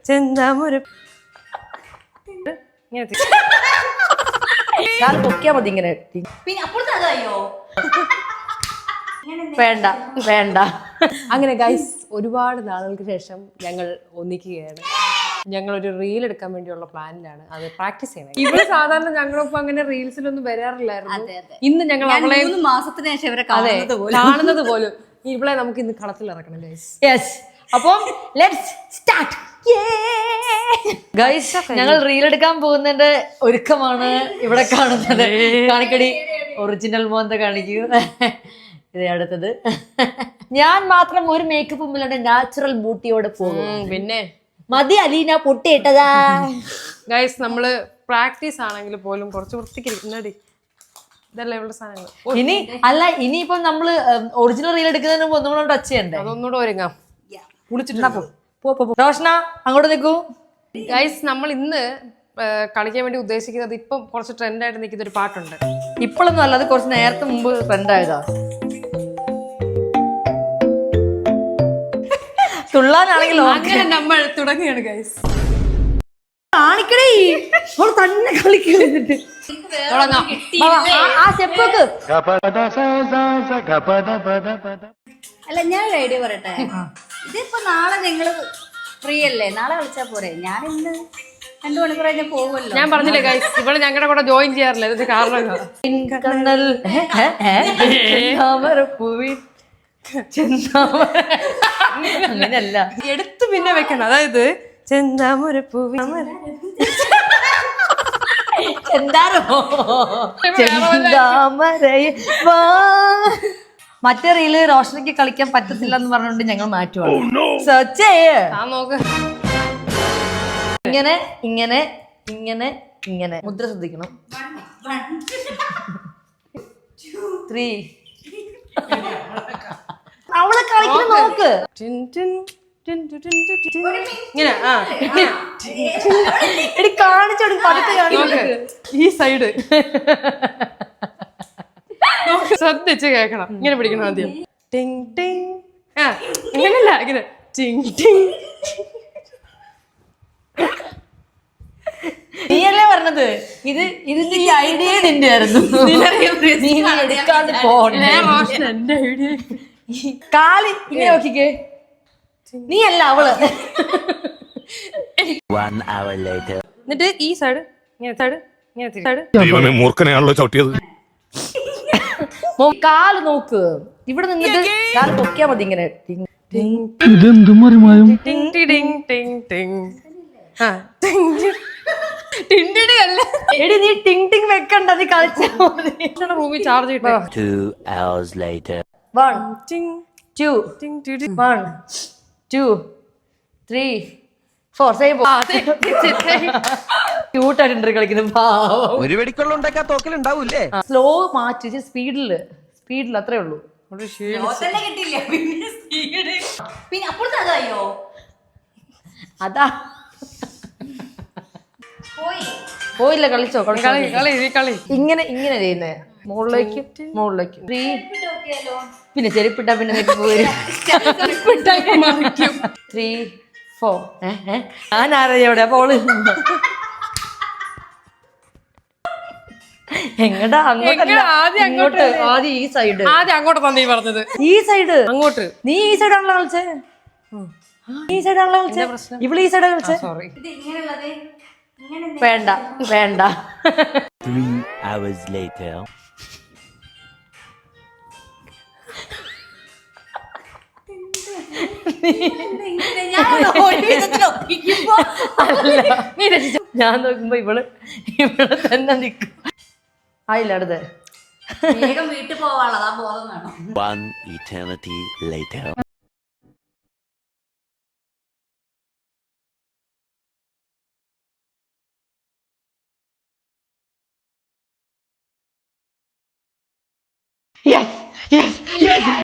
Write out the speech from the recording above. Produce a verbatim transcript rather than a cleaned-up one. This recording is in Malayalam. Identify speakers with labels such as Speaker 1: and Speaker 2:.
Speaker 1: ചെന്താമൊരു
Speaker 2: പൊക്കിയാ മതി ഇങ്ങനെ. വേണ്ട വേണ്ട.
Speaker 1: അങ്ങനെ ഗൈസ് ഒരുപാട് നാളുകൾക്ക് ശേഷം ഞങ്ങൾ ഒന്നിക്കുകയാണ്. ഞങ്ങൾ ഒരു റീൽ എടുക്കാൻ വേണ്ടിയുള്ള പ്ലാനിലാണ്. അത് പ്രാക്ടീസ് ചെയ്യണം. ഇവിടെ സാധാരണ ഞങ്ങളൊപ്പം അങ്ങനെ റീൽസിലൊന്നും വരാറില്ലായിരുന്നു. ഇന്ന് ഞങ്ങൾ അവളെ
Speaker 3: മാസത്തിന് ശേഷം ഇവരെ
Speaker 1: കാണുന്നത് പോലും ഇവളെ നമുക്ക് ഇന്ന് കളത്തിൽ ഇറക്കണം ഗൈസ്.
Speaker 2: യെസ്, അപ്പം ലെറ്റ്സ് സ്റ്റാർട്ട്. ഗൈസ്, ഞങ്ങൾ റീൽ എടുക്കാൻ പോകുന്നതിന്റെ ഒരുക്കമാണ് ഇവിടെ കാണുന്നത്. കാണിക്കടി, ഒറിജിനൽ മോന്ത കാണിക്കൂ. ഇത് അടുത്തത്. ഞാൻ മാത്രം ഒരു മേക്കപ്പ് ഇല്ലാണ്ട് നാച്ചുറൽ ബ്യൂട്ടിയോടെ പോകും.
Speaker 1: പിന്നെ
Speaker 2: മതി അലീന പൊട്ടിയിട്ടതാ.
Speaker 1: ഗൈസ് നമ്മള് പ്രാക്ടീസ് ആണെങ്കിൽ പോലും കുറച്ച് വൃത്തിക്കിരിക്കുന്നടി. ഇതല്ല ഇവളുടെ സാധനങ്ങൾ.
Speaker 2: ഇനി അല്ല, ഇനിയിപ്പം നമ്മള് ഒറിജിനൽ റീൽ എടുക്കുന്നതിന് മുമ്പ് ഒന്നുകൂടെ ടച്ച് ചെയ്യണ്ടേ?
Speaker 1: അതൊന്നുകൂടെ ഒരുങ്ങാം.
Speaker 2: കുളിച്ചിട്ടുണ്ടാ റോഷന അങ്ങോട്ട് നിൽക്കൂ.
Speaker 1: ഗൈസ്, നമ്മൾ ഇന്ന് കളിക്കാൻ വേണ്ടി ഉദ്ദേശിക്കുന്നത് ഇപ്പം കുറച്ച് ട്രെൻഡായിട്ട് നിൽക്കുന്ന ഒരു പാട്ടുണ്ട്.
Speaker 2: ഇപ്പോഴൊന്നും അല്ല, അത് കുറച്ച് നേരത്തെ മുമ്പ് ട്രെൻഡായതാ. തുള്ളാനാണെങ്കിലും
Speaker 1: അങ്ങനെ നമ്മൾ തുടങ്ങുകയാണ് ഗൈസ്.
Speaker 2: കാണിക്കണേ, തന്നെ കളിക്കുന്നിട്ട്
Speaker 1: തുടങ്ങാം.
Speaker 2: ആ സ്റ്റെപ്പൊക്കെ.
Speaker 3: അല്ല, ഞാൻ ഐഡിയ പറയട്ടെ. ഇതിപ്പോ നാളെ നിങ്ങള് ഫ്രീ അല്ലേ? നാളെ കളിച്ചാ പോരെ? ഞാൻ ഇന്ന് രണ്ടു മണിക്കൂർ കഴിഞ്ഞാൽ പോകുമല്ലോ.
Speaker 1: ഞാൻ പറഞ്ഞില്ലേ ഗൈസ്, ഇവള് ഞങ്ങളുടെ കൂടെ ജോയിൻ ചെയ്യാറില്ല. ഇതിന്റെ കാരണം
Speaker 2: അങ്ങനെയല്ല,
Speaker 1: എടുത്ത് പിന്നെ വെക്കണം. അതായത് ചെന്താമൊരു പൂവി
Speaker 2: മറ്റേ റീല് റോഷനയ്ക്ക് കളിക്കാൻ പറ്റത്തില്ല എന്ന് പറഞ്ഞുകൊണ്ട് ഞങ്ങൾ മാറ്റുവാണ്. സെർച്ച് ചെയ്യേ.
Speaker 1: നോക്ക്.
Speaker 2: ഇങ്ങനെ ഇങ്ങനെ ഇങ്ങനെ ഇങ്ങനെ മുദ്ര ശ്രദ്ധിക്കണം. ത്രീ. അവളെ കളിക്കുന്ന നോക്ക്.
Speaker 1: ഇങ്ങനെ
Speaker 2: എടി കാണിച്ചോടും പതുക്കെ കാണിച്ചു.
Speaker 1: ഈ സൈഡ് ശ്രദ്ധിച്ച് കേക്കണം. ഇങ്ങനെ പിടിക്കണം ആദ്യം. ടിങ് ടിങ്. ആ ഇങ്ങനല്ല, ഇങ്ങനെ ടിങ് ടിങ്.
Speaker 2: നീയല്ലേ പറഞ്ഞത് ഇത് ഇതിന്റെ ഈ ഐഡിയ നിന്റെ ആയിരുന്നു.
Speaker 1: എന്റെ ഐഡിയ.
Speaker 2: കാല് ഇങ്ങനെ നോക്കിക്കേ. നീ അല്ല അവള്.
Speaker 1: എന്നിട്ട് ഈ സൈഡ് ഇങ്ങനെ സൈഡ് ഇങ്ങനെ സൈഡ്.
Speaker 4: മൂർഖനെയാണല്ലോ ചവിട്ടിയത്.
Speaker 2: കാല് നോക്ക്. ഇവിടെ നിന്നിട്ട് കാല് പൊക്കിയാ മതി ഇങ്ങനെ. എടി നീ ടിങ് ടിങ് വെക്കണ്ട, നീ കളിച്ചാ
Speaker 1: റൂമിൽ ചാർജ് കിട്ടാ.
Speaker 2: One two one two three four. Same ക്യൂട്ടായിട്ടുണ്ട് കളിക്കുന്നത്.
Speaker 5: ഒരു വെടിക്കുള്ള ഉണ്ടാക്കാൻ തോക്കലുണ്ടാവൂലേ?
Speaker 2: സ്ലോ മാറ്റി, സ്പീഡില് സ്പീഡിൽ അത്രേ ഉള്ളൂ.
Speaker 3: പിന്നെ അപ്പുറത്ത് അതായോ
Speaker 2: അതാ പോയില്ല. കളിച്ചോ
Speaker 1: കളി.
Speaker 2: ഇങ്ങനെ ഇങ്ങനെ ചെയ്യുന്നേ. മുകളിലേക്കും മുകളിലേക്കും. ത്രീ. പിന്നെ ചെരുപ്പിട്ട പിന്നെ ത്രീ ഫോർ. ഞാൻ ആരവിടെ അപ്പോൾ എങ്ങടാ അങ്ങോട്ട്? അങ്ങോട്ട്. ആദ്യം ഈ സൈഡ്.
Speaker 1: ആദ്യം അങ്ങോട്ട് തന്നെ പറഞ്ഞത്.
Speaker 2: ഈ സൈഡ്
Speaker 1: അങ്ങോട്ട്.
Speaker 2: നീ ഈ സൈഡാണല്ലോ കളിച്ചേ. ഈ സൈഡാണല്ലോ കളിച്ചേ. ഇവിടെ ഈ സൈഡാ കളിച്ചേ.
Speaker 1: സോറി.
Speaker 2: വേണ്ട വേണ്ട. ഞാൻ നോക്കുമ്പോ ഇവള് ഇവിടെ തന്നെ നിക്കും. ആയില്ല അടുത്ത്.
Speaker 3: വേഗം വീട്ടിൽ പോവാനുള്ളതാ ബോധം വേണം.
Speaker 5: One eternity later.
Speaker 2: Yes, yes, yes.